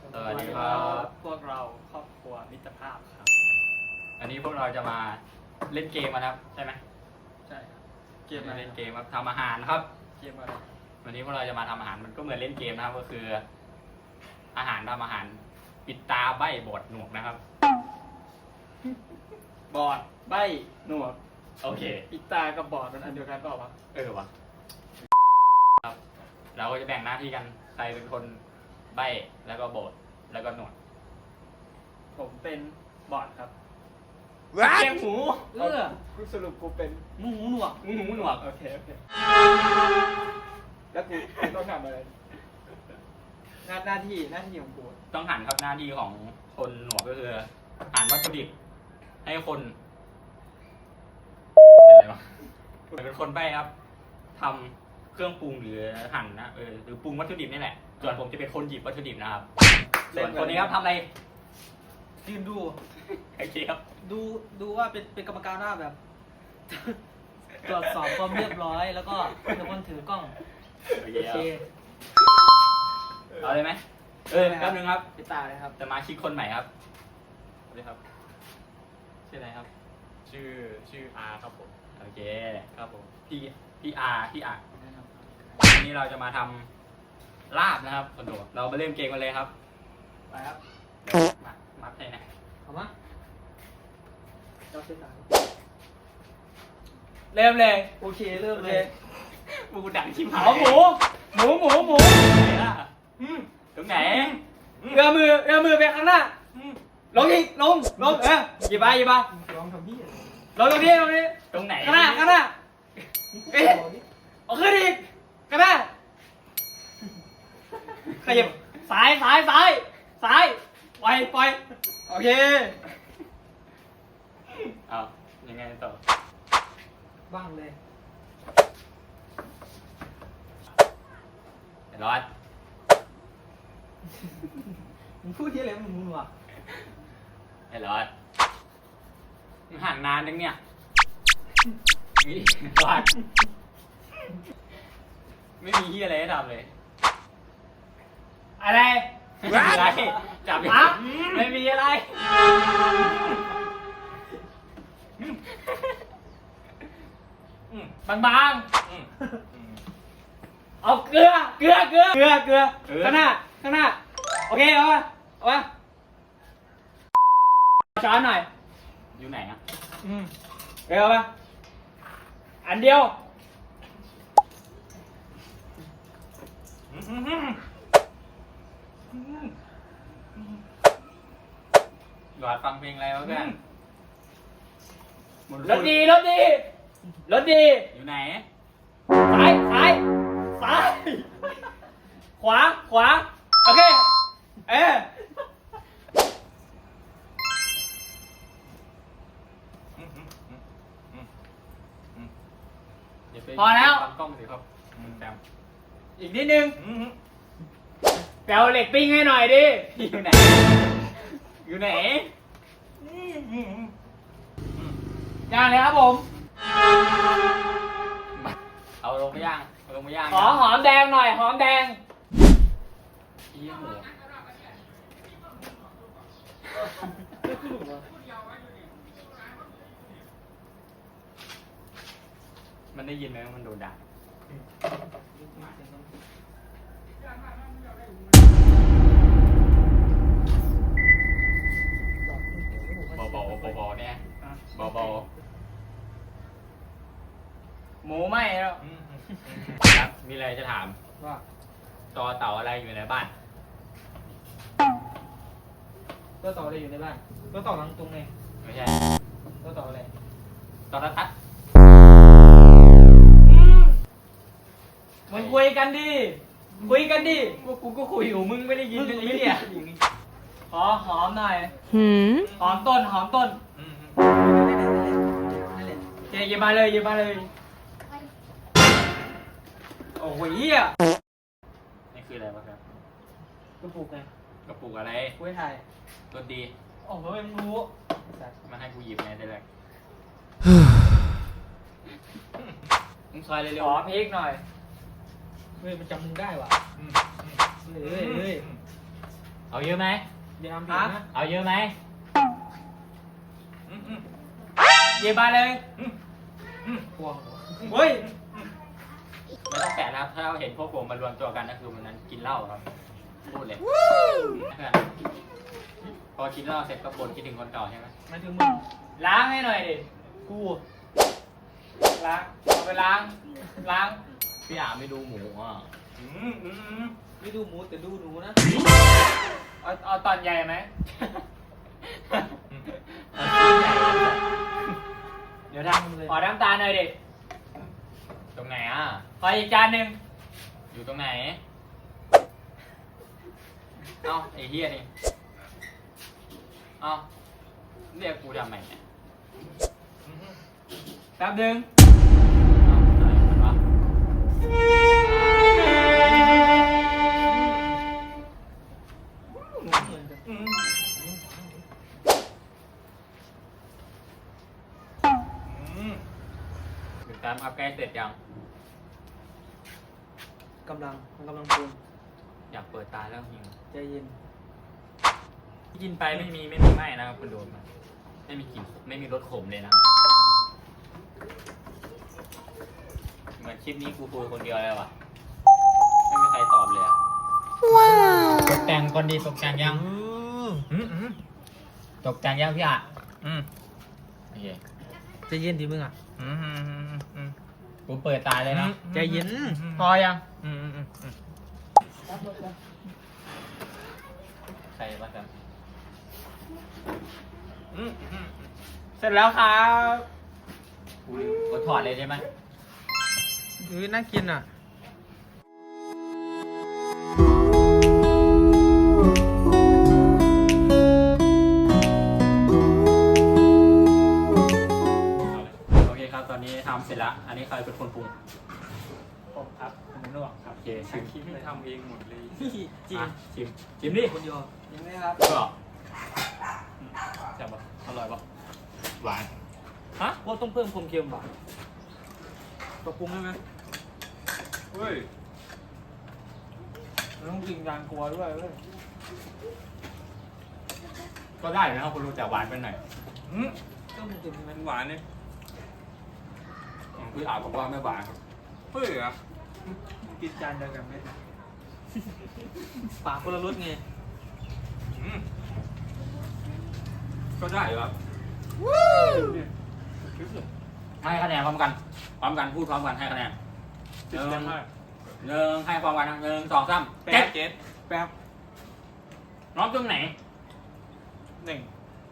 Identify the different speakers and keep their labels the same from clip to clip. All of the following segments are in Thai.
Speaker 1: สวัสดีครับ
Speaker 2: พวกเราครอบครัวมิตรภาพครับ
Speaker 1: อันนี้พวกเราจะมาเล่นเกมนะครับใช่ไหม
Speaker 2: ใช่ครับเก
Speaker 1: เก
Speaker 2: ม
Speaker 1: ม
Speaker 2: อะไร
Speaker 1: เล่นเกมครับทำอาหารครับ
Speaker 2: เกมอะไร
Speaker 1: วันนี้พวกเราจะมาทำอาหารมันก็เหมือนเล่นเกมนะครับก็คือ อาหารทำอาหารปิดตาใบบดหนวกนะครับ
Speaker 2: บอดใบหนวด
Speaker 1: โอเค
Speaker 2: ปิดตากับบอดมันอันเดียวกันเปล่าวะ
Speaker 1: วะครับเราก็จะแบ่งหน้าที่กันใครเป็นคนใบแล้วก็โบดแล้วก็หนวด
Speaker 2: ผมเป็นบอดครับ
Speaker 1: เกมหมู
Speaker 2: กูสรุปกูเป็น
Speaker 1: หมูหนวกหมูหนวก
Speaker 2: โอเคแล้วกูต้องทำอะไรหน้าที่ของกู
Speaker 1: ต้องหั่นครับหน้าที่ของคนหนวกก็คือหั่นวัตถุดิบให้คนเป็นอะไรวะเป็นคนใบ้ครับทำเครื่องปรุงหรือหั่นนะหรือปรุงวัตถุดิบนี่แหละส่วนผมจะเป็นคนหยิบวัตถุดิบนะครับส่วนคนนี้ครับทำอะไร
Speaker 3: ยืนดู
Speaker 1: โอเคครับ
Speaker 3: ดูว่าเป็นกรรมการหน้าแบบ ตรวจสอบความเรียบร้อยแล้วก็เป็นคนถือกล้อง
Speaker 1: โอเค
Speaker 3: โอเค
Speaker 1: เอาเลยไหมแป๊บนึงครับ
Speaker 3: ปิดตาเลยครับ
Speaker 1: สมาชิกคนใหม่ครับสวัสดีครับชื่ออะไรครับ
Speaker 4: ชื่ออาครับผม
Speaker 1: โอเค
Speaker 4: ครับผม
Speaker 1: พี่อาวันนี้เราจะมาทำลาบนะครับคนดูเรามาเริ่มเกมกันเลยครับ
Speaker 3: ไปครับ
Speaker 1: เดี๋ยวมัดให้นะ
Speaker 3: เอามาเราเส้นหนา
Speaker 2: เริ่มเลย
Speaker 3: โอเคเริ่มเลย
Speaker 1: มูดังชิมหา
Speaker 2: เอา
Speaker 1: ย
Speaker 2: หมู
Speaker 1: ไหนล่ะตรงไหน
Speaker 2: เอื้อมือไปข้างหน้าลงอีกลงหยิบไป
Speaker 3: ลองทำพี่
Speaker 2: ลงตรงนี้
Speaker 1: ตรงไหน
Speaker 2: ข้างหน้าเอ๊ะเอาขึ้นอีกข้างหน้าขยับซ้ายปล่อยโอเค
Speaker 1: เอายังไงต่อ
Speaker 3: บ้างเลย
Speaker 1: เดี๋ยวรอด
Speaker 3: มึงพูดที่อะไรมึงวะ
Speaker 1: เดี๋ยวรอดมึงห่างนานจังเนี่ยนี่รอดไม่มีที่อะไรให้ทำเลย
Speaker 2: อะไร
Speaker 1: ไม่มีอะไรจับอยู่
Speaker 2: ไม่มีอะไร บางๆเอาเกลือข้างหน้าโอเคเอามาช้อนหน่อย
Speaker 1: อยู่ไหนอ่ะ
Speaker 2: เอามาอันเดียว
Speaker 1: หลอดฟังเพลงอะไรวะเพื่อน
Speaker 2: รถดี
Speaker 1: อยู่ไหน
Speaker 2: ซ้ายขวาโอเคพอแล้ว
Speaker 1: ฟังกล้องสิครับแซม
Speaker 2: อีกนิดนึงแปลเหล็กปิ้งให้หน่อยดิ
Speaker 1: อยู่ไหน อยู่ไหน
Speaker 2: ย่างเลยครับผม
Speaker 1: เอาลงไปย่าง
Speaker 2: ขอหอมแดงหน่อยหอมแดง
Speaker 1: เอี้ยหมูมันได้ยินไหมว่ามันโดนด่าเบาๆเนี่ยเบา
Speaker 2: หมูไหมแล้ว
Speaker 1: ๆครับมีอะไรจะถาม
Speaker 3: ว่า
Speaker 1: ต่อเต่าอะไรอยู่ในบ้าน
Speaker 3: ตัวต่ออะไรอยู่ในบ้านตัวต่อหลังตรงไง
Speaker 1: ไม่ใช่
Speaker 3: ตัวต่ออะไร
Speaker 1: ต่อรัทัด
Speaker 2: มึงคุยกันดิ
Speaker 1: กูก็คุยอยู่มึงไม่ได้ยินเลยเนี่ย
Speaker 2: ขอหอมหน่อย
Speaker 5: Hmm?
Speaker 2: หอมต้น
Speaker 3: นั่นแหละ
Speaker 2: โอเคหยิบมาเลยโอ้โหเหี้ย
Speaker 1: นี่คืออะไรวะครับ
Speaker 3: กูปลูกไง
Speaker 1: กระปุกอะไร
Speaker 3: กูให้ถ่าย
Speaker 1: รสดี
Speaker 3: โอ้โหไม่รู้
Speaker 1: มาให้กูหยิบไงแต่แรกมึงซอยเร็
Speaker 2: ข
Speaker 1: ว
Speaker 2: อพริกหน่อย
Speaker 3: เฮ้ยมันจำมึงได้ว่ะ
Speaker 4: อืม
Speaker 3: เฮ้ย
Speaker 1: เอาเยอะไหม
Speaker 2: อย่าทำผิดนะ
Speaker 1: เอาเยอะไหม
Speaker 2: เย็บมาเลย
Speaker 3: พวง
Speaker 2: เฮ้ย
Speaker 1: ไม่ต้องแกะนะครับ ถ้าเราเห็นพวกผมมารวมตัวกันก็คือวันนั้นกินเหล้าครับ พูดเลยเพื่อนพอกินเหล้าเสร็จก็บ่นคิดถึงคนเก่าใช่ไหม
Speaker 3: มาถึงมึง
Speaker 2: ล้างให้หน่อยดิ
Speaker 3: กู
Speaker 2: ล้างเอาไปล้าง
Speaker 1: พี่อาไม่ดูหมูอ่ะ
Speaker 3: ไม่ดูหมูแต่ดูหนูนะ
Speaker 2: เอาตอนใหญ่ไหม
Speaker 3: เดี๋ยวทำเลย
Speaker 2: ขอน้ำตาลหน่อยดิ
Speaker 1: ตรงไหนอ่ะ
Speaker 2: ขออีกจานหนึ่ง
Speaker 1: อยู่ตรงไหน เอ้าไอ้เฮียนี่ เอ้าเรียกกูทำไมเนี่ย
Speaker 2: แป๊บหนึง
Speaker 1: เอ้าอะไรกันวะถึงการอัพใกล้เสร็จยัง
Speaker 3: กำลังมันกำลังปรุง
Speaker 1: อยากเปิดตาแล้วหิว
Speaker 3: ใจเย็น
Speaker 1: กินไปไม่มีไหม้นะครับคุณโดมไม่มีกลิ่นไม่มีรสขมเลยนะครับเหมือนคลิปนี้กูคุยคนเดียวเลยว่ะไม่มีใครตอบเลยอะว้าวตกแต่งก่อนดีตกแต่งยังตกแต่งยังพี่อ่ะโอเค
Speaker 3: ใจเย็นดิมึงอ่ะ
Speaker 1: กูเปิดตาเลยนะ
Speaker 3: ใจเย็น
Speaker 1: พอยังใครบ้างครับ
Speaker 2: เสร็จแล้วครับ
Speaker 1: กูถอดเลยใช่ไหม
Speaker 3: น่ากินอ่ะ
Speaker 1: โอเคครับตอนนี้ทำเสร็จแล้วอันนี้ใครเป็นคนปรุง
Speaker 2: ผมครับผมนวดครับ
Speaker 1: โอเคชิม
Speaker 4: คิดทำเองหมดเลย
Speaker 3: จริง
Speaker 1: อ่ะชิมดิ
Speaker 3: คนเดียว
Speaker 2: ยังไงครับ
Speaker 1: ก็แซ่บปะอร่อยปะหวาน
Speaker 3: ฮะว่าต้องเพิ่มความเค็มป่ะปรับปรุงได้ไหม
Speaker 4: เฮ้ย
Speaker 2: มันต้องกินการกลัวด้วยเว้ย
Speaker 1: ก็ได้นะครับคุณรู้แต่หวานไปหน่อย
Speaker 3: เพิ่มความเค็มใช่ไหม
Speaker 4: หวานเนี่ย
Speaker 1: พี่อาบอกว่าไม่หวาน
Speaker 4: เฮ้ยอะ
Speaker 2: กินจานเดียวกันไหม
Speaker 3: ปากคนละรสไง
Speaker 1: ก็ได้ครับให้คะแนนพร้อมกันพูดพร้อมกันให้คะแนนหนึ่งให้พร้อมกันนะ1 2 3 7
Speaker 2: แป๊บ
Speaker 1: น้องตรงไหน
Speaker 2: 1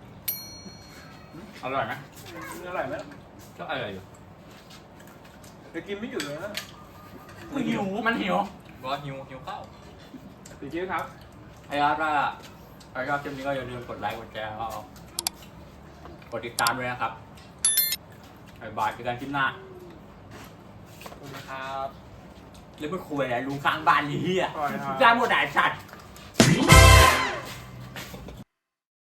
Speaker 1: อร่อยไหม
Speaker 2: อร่อยไหม
Speaker 1: ก็อร่อยอยู่
Speaker 2: จะกินไม่หยุดเลยนะ
Speaker 1: มันหิว
Speaker 4: บอกหิวข้าว
Speaker 2: ติดเชื้อครับ
Speaker 1: ใครครับถ้าใครชอบคลิปนี้ก็อย่าลืมกดไลค์กดแชร์แล้วก็กดติดตามด้วยนะครับบ๊ายบายเจอกันคลิปหน้า
Speaker 2: ขอบคุณครับ
Speaker 1: เรื่องไม่คุยอะไรลุงสร้างบ้านนี่เฮีย
Speaker 2: ปล่อยครับ
Speaker 1: สร้างหมดหลายสัตว์